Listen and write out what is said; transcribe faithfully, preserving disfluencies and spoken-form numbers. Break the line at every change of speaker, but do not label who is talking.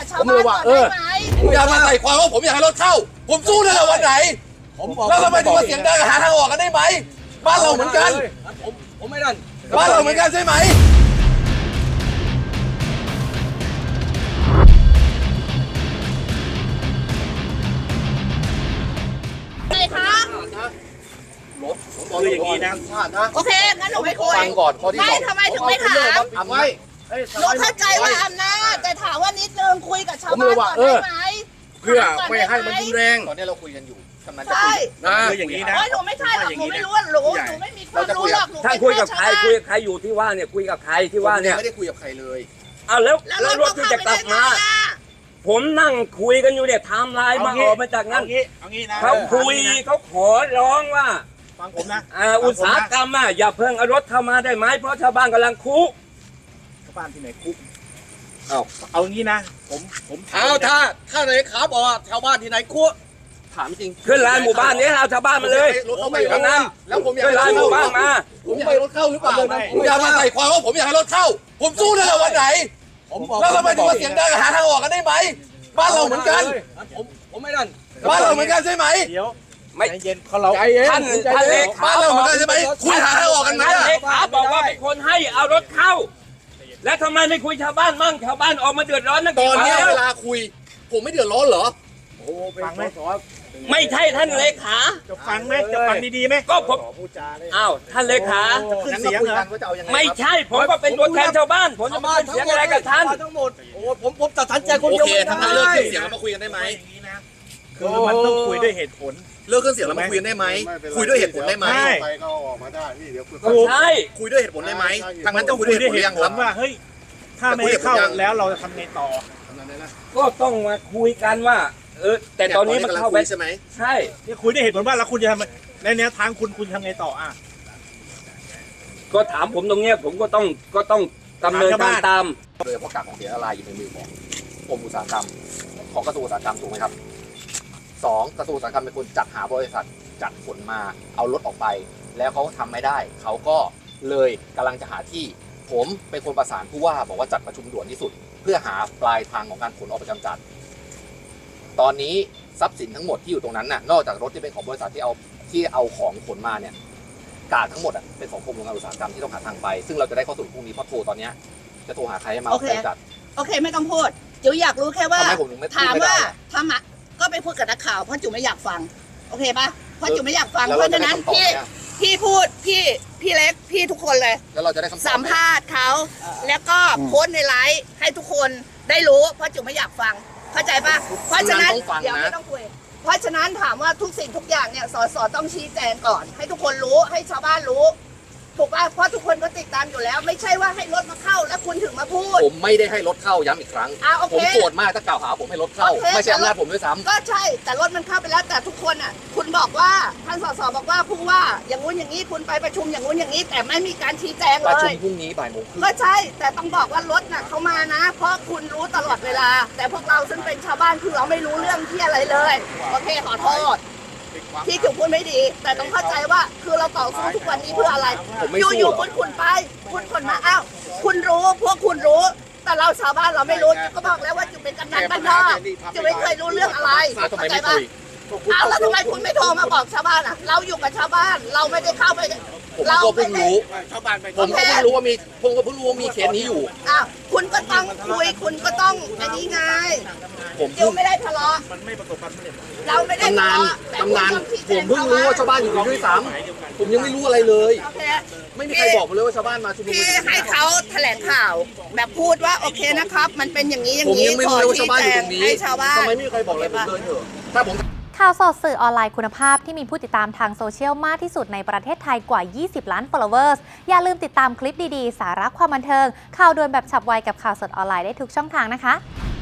ชาวบ้านก่อนได้ไหม
อย่ามาใส่ความว่าผมอยากให้รถเข้าผมสู้ได้วันไหนแล้วทำไมถึงมาเสียงดังหาทางออกกันได้ไหมบ้านเราเหมือนกัน
ผมผมไม่ดัน
บ้านเราเหมือนกันใช่ไหม
อะไรคะ
คืออย่างนี้นะ
โอเคงั้นหนูไม่คุย
ฟังก่อนข้อที่สอง
ไม่ทำไมถึงไม่ถาม
ทำไว้
หนูเข้าใจว่าอำนาจแต่ถามว่านิดนึงคุยกับชาวบ้านก่อนได้ไหม
เพื่อไม่ให้มันรุนแรงตอนนี้เราคุยกันอยู่กำลังจะคุยนะคืออย่างนี้นะ
หนูไม่ใช่หรอกหนูไม่รู้หนูหนูไม่มีความรู้หรอกหนู
ถ้าคุยกับใครคุยกับใครอยู่ที่ว่าเนี่ยคุยกับใครที่ว่าเนี่ย
ไม่ได้คุยกับใครเลย
อ้าวแล้วแล้วรถที่จะกลับมาผมนั่งคุยกันอยู่เนี่ยไทม์ไลน์มาออกมาจากนั้นเขาคุยเขาขอร้องว่า
ฟังผมนะ
อุตสาหกรรมอ่ะอย่าเพิ่งเอารถเข้ามาได้ไหมเพราะชาวบ้านกำลังคุก
ชาวบ้านที่ไหนคุก
เอา
เอางี้นะผมผมเอาถ้าถ้าไหนขาบอกชาวบ้านที่ไหนคุกถามจริง
ขึ้นลานหมู่บ้านนี้เอาชาวบ้านมาเลย
รถเข้าไม่ตรงนั้นแล้วผมอยาก
ขึ้นลานหมู่บ้านมา
ผมอยากให้รถเข้าหรือเปล่าผมอยากมาใส่ความว่าผมอยากให้รถเข้าผมสู้ได้วันไหนแล้วทำไมถึงมาเสียงดังหาทางออกกันได้ไหมบ้านเราเหมือนกัน
ผมผมไม่ดัน
บ้านเราเหมือนกันใช่ไหม
เดี๋ยว
ไม่เย็นเขาเรา
ท่านท่านเลขา
บ้านเราเหมือนกันใช่ไหมคุยหาทางออกกันไหม
ท่านเลขาบอกว่าเป็นคนให้เอารถเข้าแล้วทำไมไม่คุยชาวบ้านมั่งชาวบ้านออกมาเดือดร้อนนัก
ตอนนี้เวลาคุยผมไม่เดือดร้อนเหรอ
โอ้ฟังไหมไม่ใช่ท่านเลขา
จะฟังไหมจะฟังดีๆไหม
ก็ผมอ้าวท่านเลขา
ขึ้นเสียงเหรอ
ไม่ใช่ผมก็เป็นตัวแทนชาวบ้านผมจะมาเสียงอะไรกับท่าน
ทั้งหมดโอ้ผมผมตัดสินใจคนเดียวไม่ได้โอเคถ้างั้นเลิกขึ้นเสียงแล้วมาคุยกันได้ไหม
คือมันต้องคุยด้วยเหตุผล
เลิกขึ้นเสียงแล้วมาคุยกันได้ไหมคุยด้วยเหตุผลได้ไหม
ไปก็ออกมาได้นี่เดี๋ยว
ใช่
คุยด้วยเหตุผลได้ไหมทางนั้นต้องคุยด้วยเหตุผลยังครับ
ว่าเฮ้ยถ้าไม่เข้าแล้วเราจะทำไงต่อ
ก็ต้องมาคุยกันว่าเออแต่ตอนนี้มันเข้าไป
ใช่ไหม
ใช่
นี่คุยด้วยเหตุผลว่าแล้วคุณจะทำในแนวทางคุณคุณทำไงต่ออ่ะ
ก็ถามผมตรงเนี้ยผมก็ต้องก็ต้องดำเนินการตาม
โดยเฉพาะกากของเสียละลายอยู่ในมือของกรมอุตสาหกรรมของกระทรวงอุตสาหกรรมถูกไหมครับสองกระทรวงอุตสาหกรรมเป็นคนจัดหาบริษัทจัดขนมาเอารถออกไปแล้วเขาทำไม่ได้เขาก็เลยกำลังจะหาที่ผมเป็นคนประสานผู้ว่าบอกว่าจัดประชุมด่วนที่สุดเพื่อหาปลายทางของการขนออกไปกำจัดตอนนี้ทรัพย์สินทั้งหมดที่อยู่ตรงนั้นน่ะนอกจากรถที่เป็นของบริษัทที่เอาที่เอาของขนมาเนี่ยกากทั้งหมดอ่ะเป็นของกรมโรงงานอุตสาหกรรมที่ต้องหาทางไปซึ่งเราจะได้ข้อสรุปพรุ่งนี้เพราะโทรตอนนี้จะโทรหาใครให้มาเอาไปจัด
โอเคไม่ต้องพูดจิ๋วอยากรู้แค่ว่าถามว่าทำอ่ะก็ไปพูดกับนักข่าวเพราะจิ๋วไม่อยากฟังโอเคปะเพราะจิ๋วไม่อยากฟังเพราะฉะนั้นพี่พี่พูดพี่พี่เล็กพี่ทุกคนเลย
แล้วเราจะได้คำตอบ
สัมภาษณ์เขาแล้วก็โพสในไลฟ์ให้ทุกคนได้รู้เพราะจิ๋วไม่อยากฟังเข้าใจปะเพราะฉะนั้นเดี๋ยวไม่ต้องคุยเพราะฉะนั้นถามว่าทุกสิ่งทุกอย่างเนี่ยสสต้องชี้แจงก่อนให้ทุกคนรู้ให้ชาวบ้านรู้ถูกป่ะเพราะทุกคนก็ติดตามอยู่แล้วไม่ใช่ว่าให้รถมาเข้าแล้วคุณถึงมาพูด
ผมไม่ได้ให้รถเข้าย้ำอีกครั้งผมโกรธมากถ้ากล่าวหาผมให้รถเข้าไม่ใช่อำนาจผมด้วยซ้ำ
ก็ใช่แต่รถมันเข้าไปแล้วแต่ทุกคนอ่ะคุณบอกว่าท่านสสบอกว่าผู้ว่าอย่างงู้นอย่างนี้คุณไปประชุมอย่างงู้นอย่างนี้แต่ไม่มีการชี้แจงเลย
ประชุมพรุ่งนี้บ่ายโมง
ก็ใช่แต่ต้องบอกว่ารถน่ะเขามานะเพราะคุณรู้ตลอดเวลาแต่พวกเราซึ่งเป็นชาวบ้านคือเราไม่รู้เรื่องที่อะไรเลยโอเคขอโทษที่จุ๋มพูดไม่ดีแต่ต้องเข้าใจว่าคือเราต่อสู้ทุกวันนี้เพื่ออะไรอยู่ๆคุณขุนไปคุณขนมาอ้าวคุณรู้พวกคุณรู้แต่เราชาวบ้านเราไม่รู้จุ๋มก็บอกแล้วว่าจุ๋มเป็นกำนันบ้านนอกจุ๋มไม่เคยรู้เรื่องอะไรเข้าใจปะอ้าวแล้วทำไมคุณไม่โทรมาบอกชาวบ้านอ่ะเราอยู่กับชาวบ้านเราไม่ได้เข้าไป
เราเพิ่งรู้ชาวบ้านผมก็เพิ่งรู้ว่ามีผมก็เพิ่งรู้ว่ามีเคสนี้อยู่
อ้าวคุณก็ต้องคุยคุณก็ต้องอันนี้ไงผมเดี๋ยวไม่ได้ทะเลาะ
มันไม่ประสบความสำเร็จ
เราไม่ได้ทะเลาะ
ตำนานผมเพิ่งรู้ว่าชาวบ้านอยู่ด้วยซ้ำผมยังไม่รู้อะไรเลยไม่มีใครบอกผมเลยว่าชาวบ้านมาชุมนุม
พี่ให้เขาแถลงข่าวแบบพูดว่าโอเคนะครับมันเป็นอย่างนี้อย่างนี้
ผมยังไม่รู้ว่าชาวบ้านอยู่ตรงนี้
ให้ชาวบ้าน
ทำไมไม่มีใครบอกเลยผมเดินเถอะถ้าผม
ข่าวสดสื่อออนไลน์คุณภาพที่มีผู้ติดตามทางโซเชียลมากที่สุดในประเทศไทยกว่ายี่สิบล้าน followers อย่าลืมติดตามคลิปดีๆสาระความบันเทิงข่าวด่วนแบบฉับไวกับข่าวสดออนไลน์ได้ทุกช่องทางนะคะ